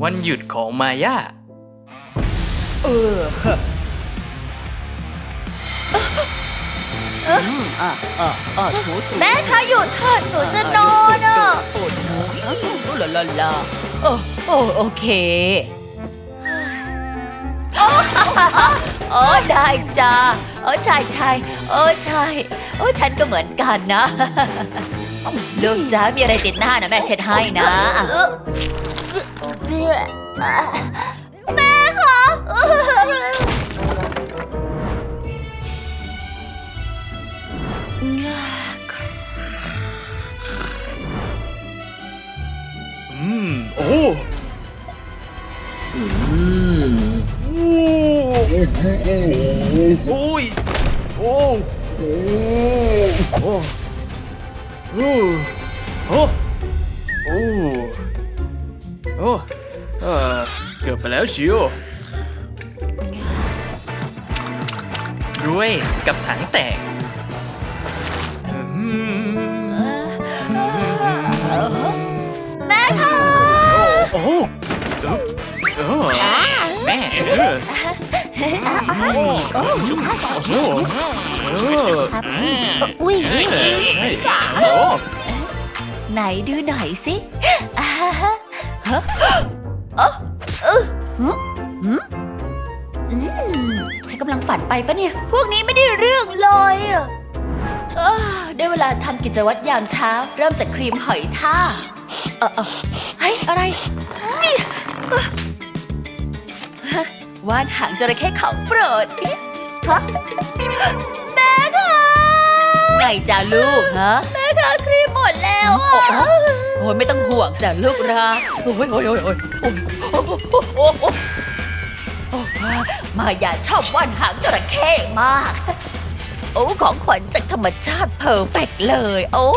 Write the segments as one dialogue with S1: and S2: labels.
S1: วันหยุดของมาย่า
S2: แม่คะหยุดเถิดหนูจะนอนอ่ะ
S3: ฝุ่นลาลาลาโอเคได้จ้าใช่ใช่ฉันก็เหมือนกันนะลูกจ้ามีอะไรติดหน้านะแม่เช็ดให้นะ
S2: แม่คะ
S1: โอ้โอ้ยโอ้โอ้โอ้โอ้โอ้โอ้โอ้เกือบไปแล้วชิวรวยกับถังแตก
S2: แม่คะ
S1: โอ้แม่
S2: อุ้ย
S3: ไหนดูหน่อยสิฉันกำลังฝันไปปะเนี่ยพวกนี้ไม่ได้เรื่องเลยได้เวลาทำกิจวัตรยามเช้าเริ่มจากครีมหอยทากเฮ้ยอะไรวาดหางจระเข้ของโปรดฮะ
S2: แม่คะ
S3: ไงจ้าลูกฮะ
S2: แม่คะครีมหมดแล้วอ่ะ
S3: โอ้ยไม่ต้องห่วงจ้ะลูกรักโอ้ยมาอย่าชอบวาดหางจระเข้มากโอ้ของขวัญจากธรรมชาติเพอร์เฟกต์เลยโอ้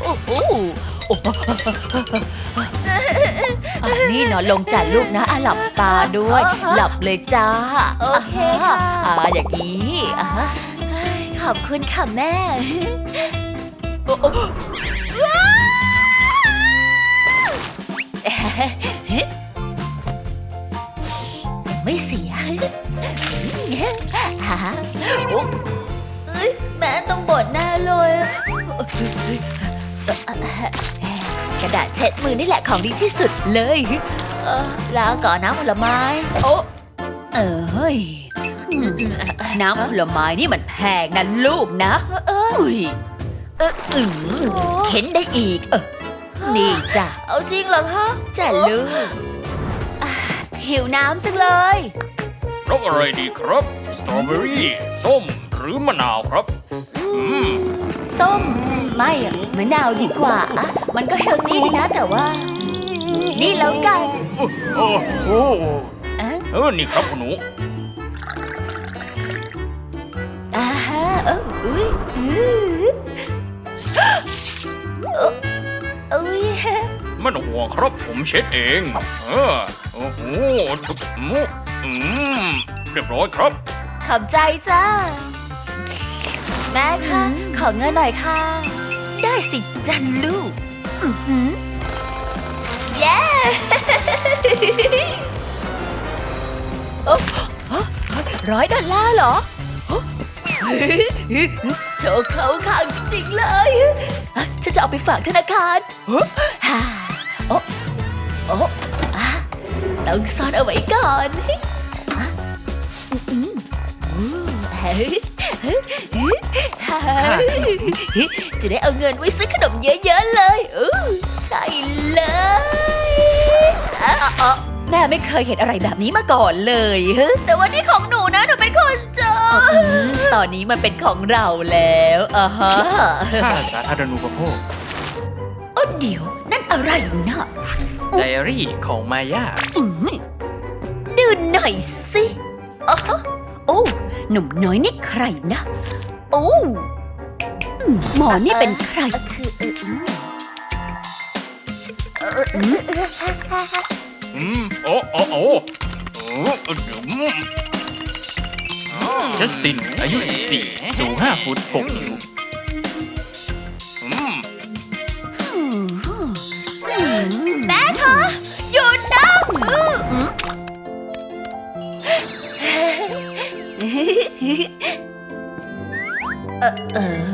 S3: นี่นอนลงจ้ะลูกนะหลับตาด้วยหลับเลยจ้า
S2: โอเคค่ะ
S3: อย่างนี้
S2: ขอบคุณค่ะแม่
S3: ไม่เสีย
S2: แม่ต้องบ่นแน่เลย
S3: กระดาษเช็ดมือนี่แหละของดีที่สุดเลย
S2: แล้วก่อนน้ำผลไม้
S3: เฮ้ยน้ำผลไม้นี่มันแพงนะลูกนะเข็นได้อีกนี่จ้ะ
S2: เอาจริงเหรอคะ
S3: จ้ะลูกหิวน้ำจังเลย
S1: รสอะไรดีครับสตรอเบอรี่ส้มหรือมะนาวครับ
S3: ส้มไม่มะนาวดีกว่ามันก็เฮลตี้ดีนะแต่ว่านี่แล้วกัน
S1: นี่ครับคุณหนูไม่ต้องห่วงครับผมเช็ดเองเรียบร้อยครับ
S2: ขอบใจจ้าแม่คะขอเงินหน่อยค่ะ
S3: ได้สิจันลูก
S2: เย้
S3: $100เหรอโชว์เข้าข้างจริงๆเลยฉันจะเอาไปฝากธนาคารต้องซ่อนเอาไว้ก่อนจะได้เอาเงินไว้ซื้อขนมเยอะๆเลยใช่เลยแม่ไม่เคยเห็นอะไรแบบนี้มาก่อนเลย
S2: แต่ว่านี่ของหนูนะหนูเป็นคนเจอ
S3: ตอนนี้มันเป็นของเราแล้ว
S1: ค่าสาธารณูปโภค
S3: เดี๋ยวนั่นอะไรนะ
S1: ไดอารี่ของมาย่า
S3: ดูหน่อยสิหนุ่มน้อยนี่ใครนะหมอนี่เป็นใคร
S1: จัสตินอายุ14สูง5 ฟุต 6 นิ้ว
S2: แม่คะหยุดนะ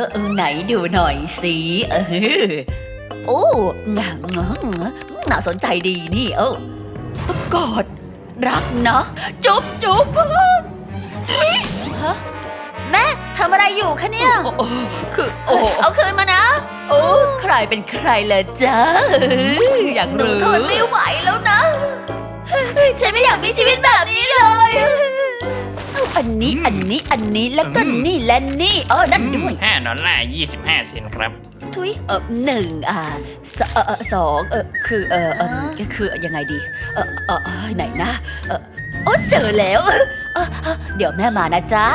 S3: ไหนดูหน่อยสิโอ้น่าสนใจดีนี่กอดรักนะจุ๊บจุ๊บฮะแม่ทำอะไรอยู่คะเนี่ยคือเอาคืนมานะโอ้ใครเป็นใครล่ะจ๊ะอยากรู้ทนไม่ไหวแล้วนะฉันไม่อยากมีชีวิตแบบนี้เลยอันนี้แล้วก็นี่และนี่นั่นด้วย
S1: $5 25 ครับ
S3: ทุยหนึ่งสองคือยังไงดีไหนนะเจอแล้วเดี๋ยวแม่มานะจ๊ะ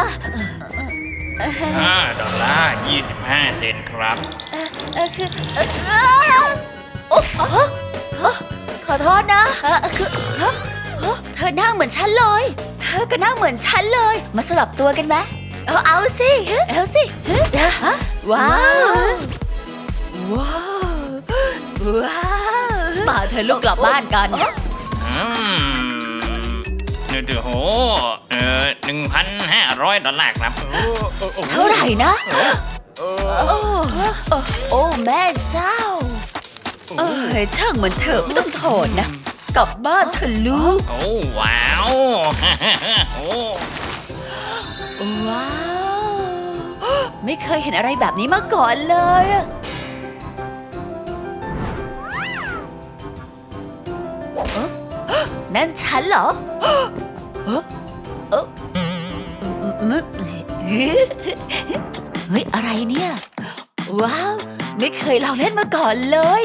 S1: $5 25 ครับ
S3: คือขอโทษนะคือเธอหน้าเหมือนฉันเลยเธอก็หน้าเหมือนฉันเลยมาสลับตัวกันไหมเอาสิว้าวมาเธอลูกกลับบ้านกัน
S1: $1,500 ครับ
S3: เท่าไหร่นะโอ้แม่เจ้าช่างมันเถอะไม่ต้องโทษนะกลับบ้านเถอะลูก
S1: โอ้ว้าว
S3: ว้าวไม่เคยเห็นอะไรแบบนี้มาก่อนเลยนั่นฉันเหรอเฮ้ยอะไรเนี่ยว้าวไม่เคยลองเล่นมาก่อนเลย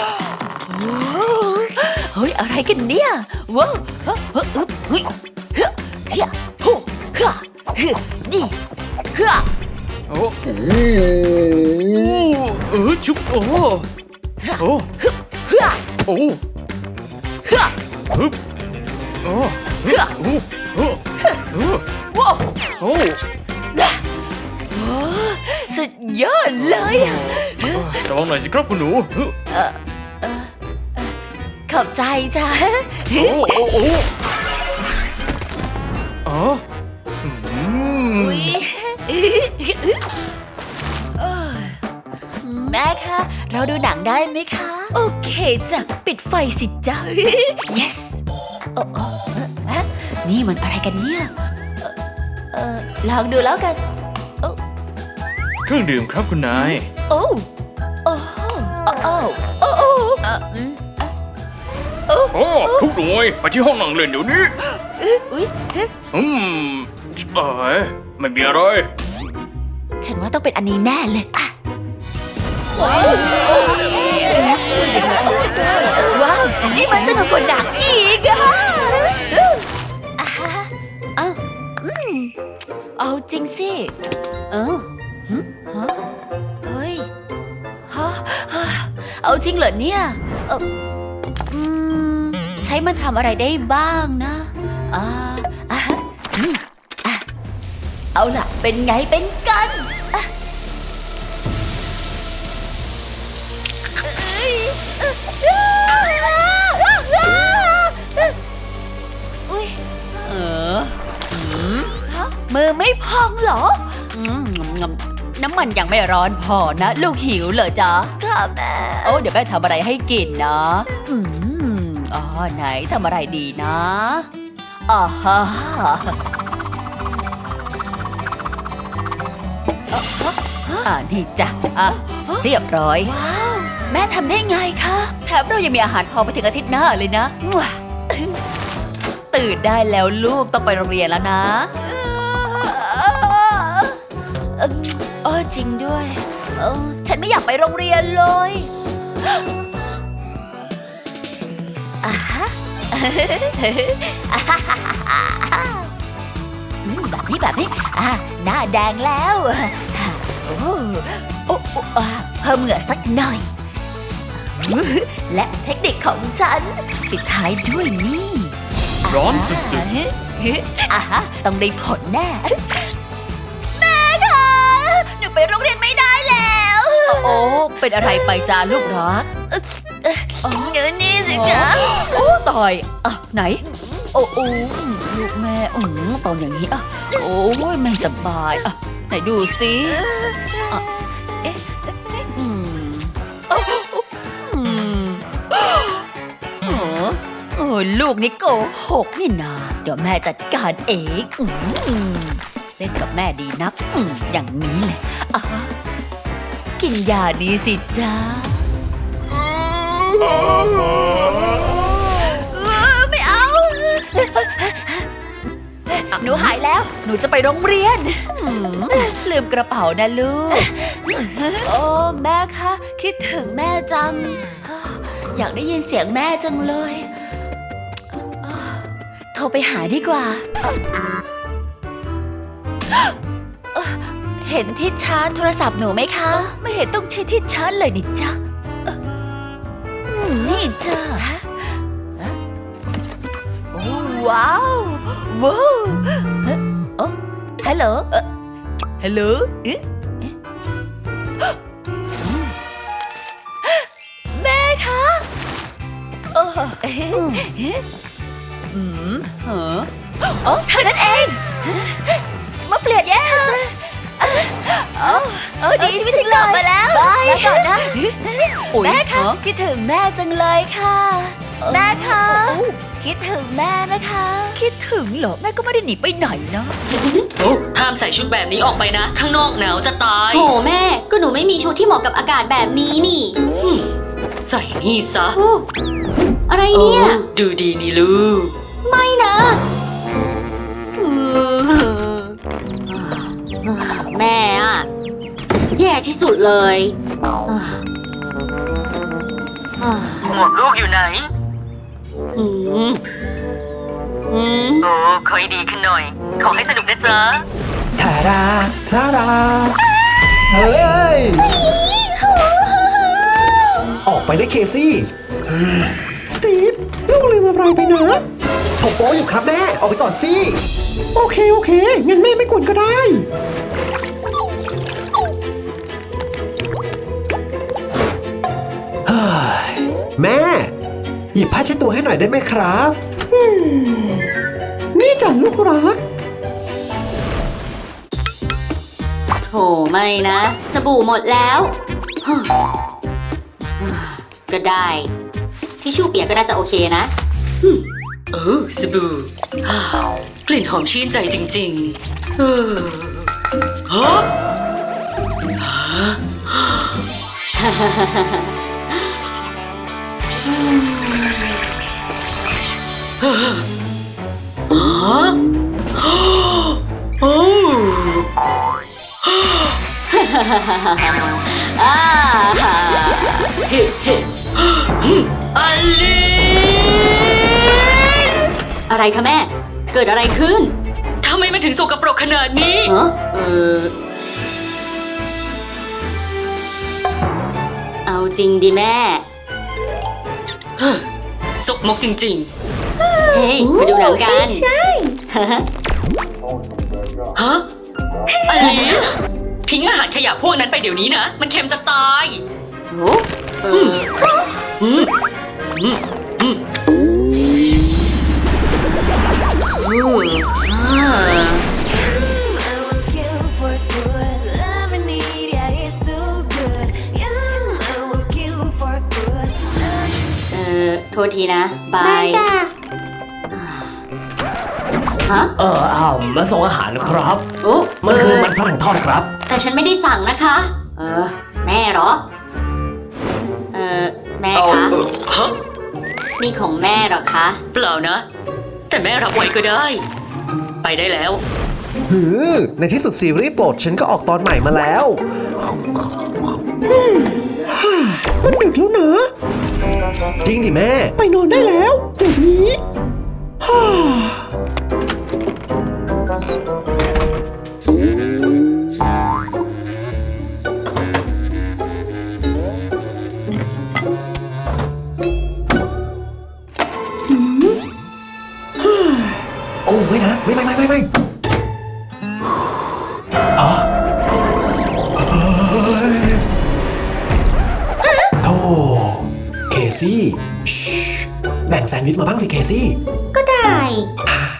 S3: เฮ้ยอะไรกันเนี่ยว้าวเฮ้ยนี่
S1: ชุบโอ้
S3: สุดยอดเลย
S1: ระวังหน่อยสิครับคุณหนู
S3: ขอบใจจ้ะแม่คะเราดูหนังได้ไหมคะโอเคจ้ะปิดไฟสิจ้ะ yes นี่มันอะไรกันเนี่ยลองดูแล้วกัน
S1: เครื่องดื่มครับคุณนาย
S3: โอ้
S1: ทุกหน่วยไปที่ห้องนั่งเล่นเดี๋ยวนี้ไม่มีอะไร
S3: ฉันว่าต้องเป็นอันนี้แน่เลยว้าวนี่มันสนุกกว่าหนังอีกเอาจริงสิเฮ้ยเอาจริงเหรอเนี่ยใช้มันทำอะไรได้บ้างนะเอาล่ะเป็นไงเป็นกันมือไม่พองเหรอน้ำมันยังไม่ร้อนพอนะลูกหิวเหรอจ๊ะค่ะแม่เดี๋ยวแม่ทำอะไรให้กินนะไหนทำอะไรดีนะนี่จ้ะเรียบร้อยว้าวแม่ทำได้ไงคะแถมเรายังมีอาหารพอไปถึงอาทิตย์หน้าเลยนะตื่นได้แล้วลูกต้องไปโรงเรียนแล้วนะจริงด้วยฉันไม่อยากไปโรงเรียนเลยแบบนี้หน้าแดงแล้วเพิ่มเหงื่อสักหน่อยและเทคนิคของฉันปิดท้ายด้วยนี่
S1: ร้อนสุด
S3: ๆต้องได้ผลแน่แม่คะหนูไปโรงเรียนไม่ได้แล้วเป็นอะไรไปจ้าลูกรัก
S2: เดี๋ยวนี้สิคะ
S3: ต่อยไหนลูกแม่ตอนอย่างนี้โอ้ยไม่สบายไหนดูสิว่าลูกนี่โกหกนี่นาเดี๋ยวแม่จัดการเองเล่นกับแม่ดีนักอย่างนี้เลยอ่ะกินยานี้สิจ้าไม่เอา หนูหายแล้ว หนูจะไปโรงเรียนลืมกระเป๋านะลูก
S2: โอ้แม่คะคิดถึงแม่จัง อยากได้ยินเสียงแม่จังเลย
S3: โทรไปหาดีกว่า
S2: เห็นที่ชาร์จโทรศัพท์หนูไหมคะ
S3: ไม่เห็นต้องใช้ที่ชาร์จเลยนี่จ้ะนี่จ้ะโอ้ว้าวว้าวโอ้ฮัลโหลฮัลโหลแม่คะโอ้
S2: โอ้เท่านั้นเองมาเปลี่ยนแย่ดีชีวิตฉันกลับมาแล้วแล้วก่อนนะแม่คะคิดถึงแม่จังเลยค่ะแม่คะคิดถึงแม่นะคะ
S3: คิดถึงเหรอแม่ก็ไม่ได้หนีไปไหนนะ
S4: ห้ามใส่ชุดแบบนี้ออกไปนะ ข้างนอกหนาวจะตาย
S5: โถแม่ก็หนูไม่มีชุดที่เหมาะกับอากาศแบบนี้นี่
S4: ใส่นี่ซะ
S5: อะไรเนี่ย
S4: ดูดีนี่ลูก
S5: ไม่นะแม่อะแย่ที่สุดเลย
S4: หมวกลูกอยู่ไหน
S5: อืม
S4: โอ้ขอให้ดีขึ้นหน่อย ขอให้สนุกนะจ๊ะ
S1: ทาราทาราเฮ้ย ออกไปได้เคซี่สตีฟลูกลืมอะไรไปนะผมโป๊อยู่ครับแม่ ออกไปก่อนสิ โอเค งั้นแม่ไม่กวนก็ได้ แม่ หยิบผ้าเช็ดตัวให้หน่อยได้ไหมครับนี่จ้ะลูกรัก
S5: โถไม่นะ สบู่หมดแล้วก็ได้ ทิชชู่เปียกก็น่าจะโอเคนะ
S4: โอ้สบู่กลิ่นหอมชื่นใจจริงๆฮะโอ้ อลิส
S5: อะไรคะแม่ เกิดอะไรขึ้น
S4: ทำไมมันถึงสกปรกขนาดนี้
S5: ฮะเอาจริงดิแม่
S4: สกมกจริง
S5: เฮ้ยไปดูหนังกัน
S4: ๆ ฮะ อลิส ทิ้งอาหารขยะพวกนั้นไปเดี๋ยวนี้นะ มันเค็มจะตาย
S5: โอ้
S4: อืม
S5: โทษทีนะ บาย ฮะ
S6: มาส่งอาหารครับ
S5: โอ้
S6: มันคือมันฝรั่งทอดครับ
S5: แต่ฉันไม่ได้สั่งนะคะ แม่เหรอ แม่คะ
S4: ฮะ
S5: นี่ของแม่เหรอคะ
S4: เปล่านะ แต่แม่รับไว้ก็ได้ ไปได้แล้ว
S1: ในที่สุดซีรีส์โปรดฉันก็ออกตอนใหม่มาแล้ว มันดึกแล้วนะ จริงดิแม่ ไปนอนได้แล้วเดี๋ยวนี้โอ้ไม่นะ ไม่โธ่เคซี่แบ่งแซนด์วิชมาบ้างสิเคซี่
S5: ก็ได้